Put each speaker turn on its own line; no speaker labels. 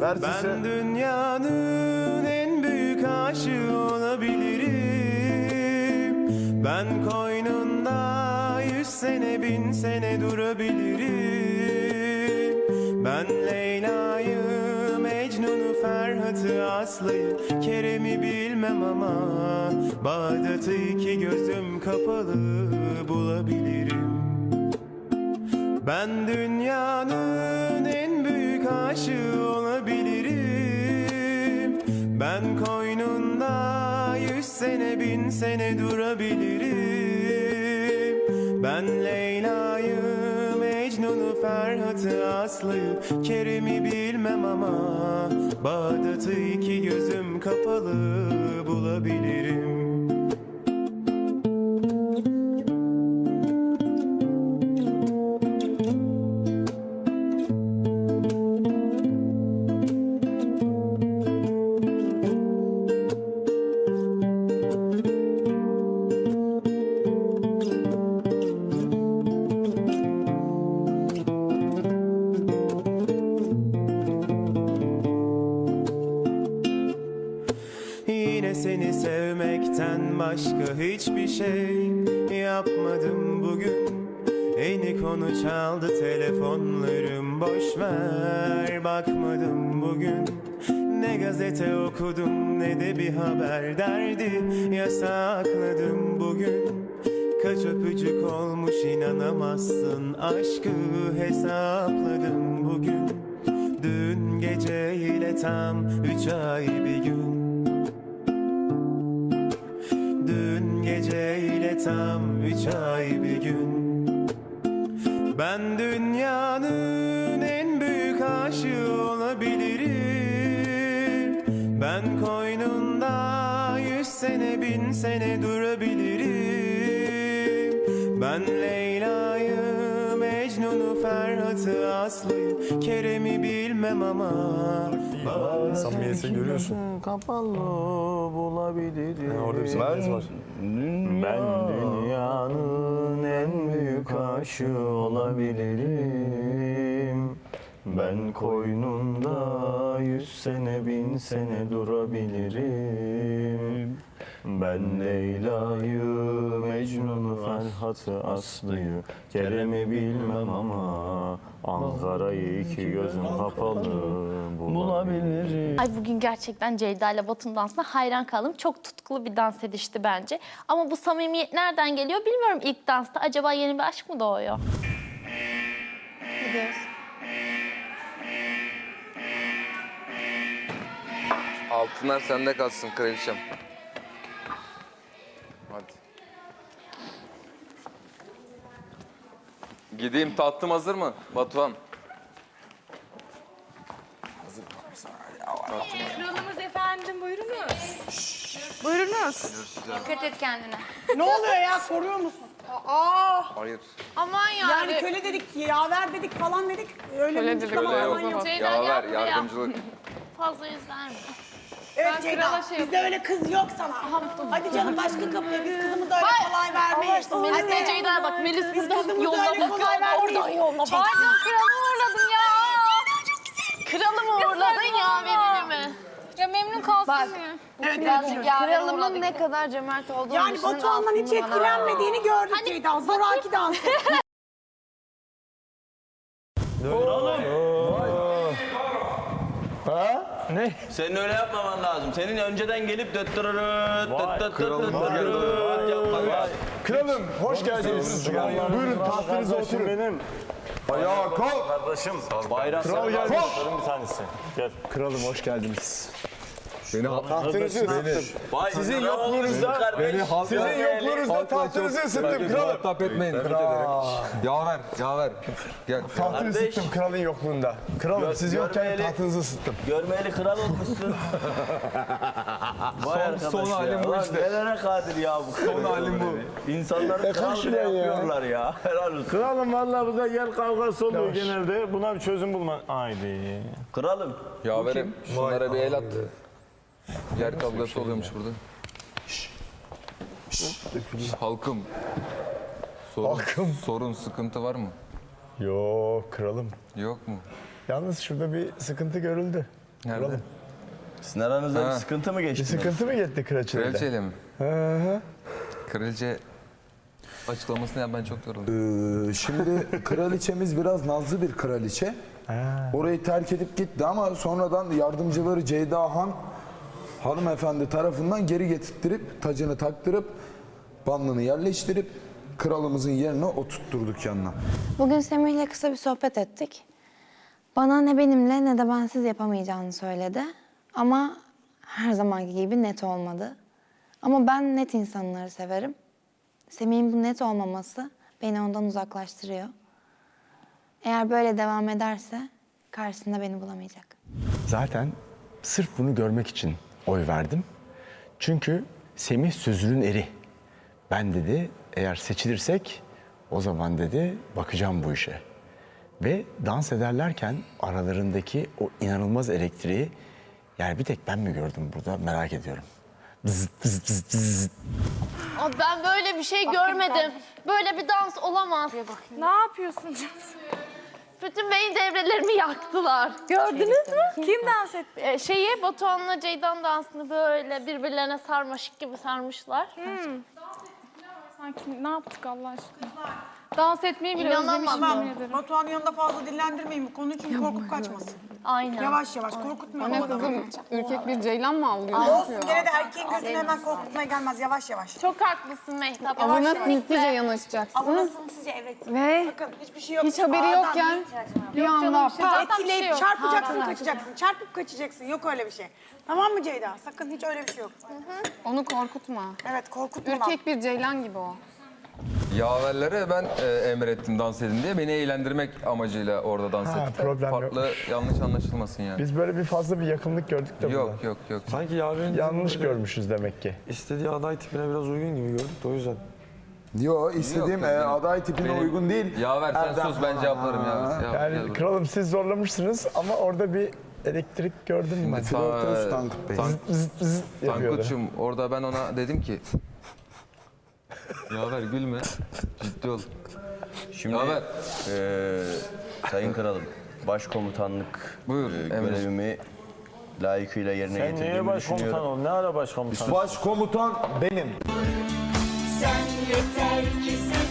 Ben dünyanın en büyük aşığı olabilirim. Ben koynunda 100 sene 1000 sene durabilirim. Ben Leyla'yı, Mecnun'u, Ferhat'ı, Aslı'yı, Kerem'i bilmem ama Bağdat'ı iki gözüm kapalı bulabilirim. Ben dünyanın en büyük aşığı olabilirim. Ben koynunda 100 sene 1000 sene durabilirim. Ben Leyla'yı, Mecnun'u, Ferhat'ı, Aslı'yı, Kerem'i bilmem ama Bağdat'ı iki gözüm kapalı bulabilirim. Yine seni sevmekten başka hiçbir şey yapmadım bugün. Yeni konu çaldı telefonlarım, boş ver bakmadım bugün. Ne gazete okudum ne de bir haber derdi yasakladım bugün. Kaç öpücük olmuş inanamazsın, aşkı hesapladım bugün. Dün gece ile tam 3 ay bir gün. Dün gece ile tam 3 ay bir gün. Ben dünyanın en büyük aşığı olabilirim. Ben koynunda 100 sene 1000 sene durabilirim. Ben Leyla'yı, Mecnun'u, Ferhat'ı, Aslı'yı, Kerem'i bilmem ama
Samimiyeti görüyorsun.
kapalı bulabilirim.
Yani orada bir samimiyet var.
Ben dünyanın en büyük aşığı olabilirim. Ben koynunda 100 sene 1000 sene durabilirim. Ben Leyla'yı, Mecnun'u, Ferhat'ı, Aslı'yı, Kerem'i bilmem ama Ankara'yı iki gözüm kapalı bulabilirim.
Ay bugün gerçekten Ceyda ile Batu'nun dansına hayran kaldım. Çok tutkulu bir dans edişti bence. Ama bu samimiyet nereden geliyor bilmiyorum ilk dansta. Acaba yeni bir aşk mı doğuyor? Gidiyoruz.
Altınlar sende kalsın kraliçem. Hadi. Gideyim, tatlım hazır mı Batuhan?
Kralımız efendim, buyurunuz. Buyurunuz.
Dikkat et kendine.
Ne oluyor ya, koruyor musun? Aa,
Hayır.
Aman
yani köle dedik, yaver dedik falan dedik. Öyle bir açıklama
Öyle
falan
yok.
yok.
Ceyda
Yaver,
yaptı ya.
yardımcılık.
Fazla izlenme.
Evet Ceyda, bizde öyle kız yok sana. Hadi canım başka kapıya, biz kızımıza öyle kolay vermeyiz.
Melis'e Ceyda'ya bak. Melis
Biz
burada
kızımıza
yolladı.
öyle kolay vermeyiz.
Pardon kralımı uğurladın ya. Kralımı uğurladın ya verilimi.
Ya memnun kalsın
Bak.
ya.
Evet,
Kralımın ne kadar cömert olduğunu
yani
düşünün,
Batuhan'dan hiç
altını bana
etkilenmediğini gördük
Hani
Ceyda. Zoraki dans etti.
Senin öyle yapmaman lazım. Senin önceden gelip
Kralım hoş geldiniz. Buyurun tahtınıza oturun. Benim. Ayağa kalk.
Kardeşim bayrak
Kral gelmiş.
bir tanesi. Gel.
Kralım hoş geldiniz. Tahtınızı ısıttım.
Sizin yokluğunuzda
Sizin yokluğunuzda tahtınızı ısıttım kralım.
Muhatap etmeyin. Yaver. Gel.
Tahtını ısıttım kralın yokluğunda. Kralım siz yokken
görmeyeli-
tahtınızı ısıttım.
görmeyeli kral olmuşsun. Vay arkadaş
son
ya.
halim bu
Ulan
işte.
Nelere kadir ya bu. Son
halim bu.
İnsanları kral bile
şuraya ya.
yapıyorlar ya. Helal olsun.
Kralım vallahi burada yer kavgası oluyor genelde. Buna bir çözüm bulma. Haydi.
Kralım.
Yaverim, şunlara bir el at. Yer kavgası oluyormuş burada. Halkım. Sorun, sıkıntı var mı?
Yok kralım.
Yok mu?
Yalnız şurada bir sıkıntı görüldü.
Nerede?
Sizin aranızda bir
Ha.
sıkıntı mı geçti?
Sıkıntı mı gitti kraliçeyle?
Kraliçeyle mi? Kraliçe açıklamasını yap, ben çok yoruldum.
Şimdi kraliçemiz biraz nazlı bir kraliçe. Orayı terk edip gitti ama sonradan yardımcıları Ceyda Han hanımefendi tarafından geri getirttirip tacını taktırıp bandını yerleştirip kralımızın yerine oturtturduk yanına.
Bugün Semih'le kısa bir sohbet ettik. Bana ne benimle ne de bensiz yapamayacağını söyledi. Ama her zamanki gibi net olmadı. Ama ben net insanları severim. Semih'in bu net olmaması beni ondan uzaklaştırıyor. Eğer böyle devam ederse karşısında beni bulamayacak.
Zaten sırf bunu görmek için oy verdim. Çünkü Semih sözünün eri. Ben dedi eğer seçilirsek o zaman dedi bakacağım bu işe. Ve dans ederlerken aralarındaki o inanılmaz elektriği yani bir tek ben mi gördüm burada merak ediyorum. Bzzz, bzzz, bzzz, bzzz.
Ben böyle bir şey görmedim. Böyle bir dans olamaz.
Ne yapıyorsun?
Bütün beyin devrelerimi yaktılar. Gördünüz mü?
Kim dans etti?
Batuhan'la Ceydan dansını böyle birbirlerine sarmaşık gibi sarmışlar.
Sanki ne yaptık Allah aşkına? Dans etmeyi bile
İnanamam.
özlemişim
Tamam.
yemin ederim.
Batuhan'ın yanında fazla dillendirmeyin bu konuyu çünkü korkup kaçmasın.
Aynen.
Yavaş yavaş korkutmayalım o adamı.
Ürkek bir ceylan mı avlıyor?
Olsun gene de erkeğin gözüne hemen korkutmaya gelmez yavaş yavaş.
Çok haklısın Mehtap.
Avına sinsice yanaşacaksın.
Ama sizce evet.
Ve
Sakın hiçbir şey yok.
hiç haberi
Ağdan
yokken bir anda
Zaten bir şey
etkileyip
yok.
çarpacaksın kaçacaksın. Çarpıp kaçacaksın. Yok öyle bir şey. Tamam mı Ceyda? Sakın hiç öyle bir şey yok.
onu korkutma.
Evet korkutma.
Ürkek bir ceylan gibi o.
Yaverlere ben emrettim dans edin diye. Beni eğlendirmek amacıyla orada dans ettim.
problem
Farklı yanlış anlaşılmasın yani.
Biz böyle bir fazla bir yakınlık gördük de
Yok
burada.
yok yok.
Sanki yaverin
Yanlış görmüşüz demek ki.
istediği aday tipine biraz uygun gibi gördük de o yüzden.
Yo istediğim
Yok, benim-
aday tipine
benim-
uygun değil.
Yaver sen
Erdem
sus, ben
falan.
cevaplarım ya.
Yani kralım siz zorlamışsınız ama orada bir elektrik gördüm ben.
Flörtöz Tankut Bey.
Zıt zıt yapıyordu.
Tankut'cum orada ben ona dedim ki Yaver gülme, ciddi ol.
Şimdi
Yaver.
Sayın Kralım, başkomutanlık
Buyur,
görevimi layıkıyla yerine
Sen niye
getirdiğimi
başkomutan
düşünüyorum.
ol? Ne ara başkomutan?
Başkomutan benim.
Sen yeter ki sen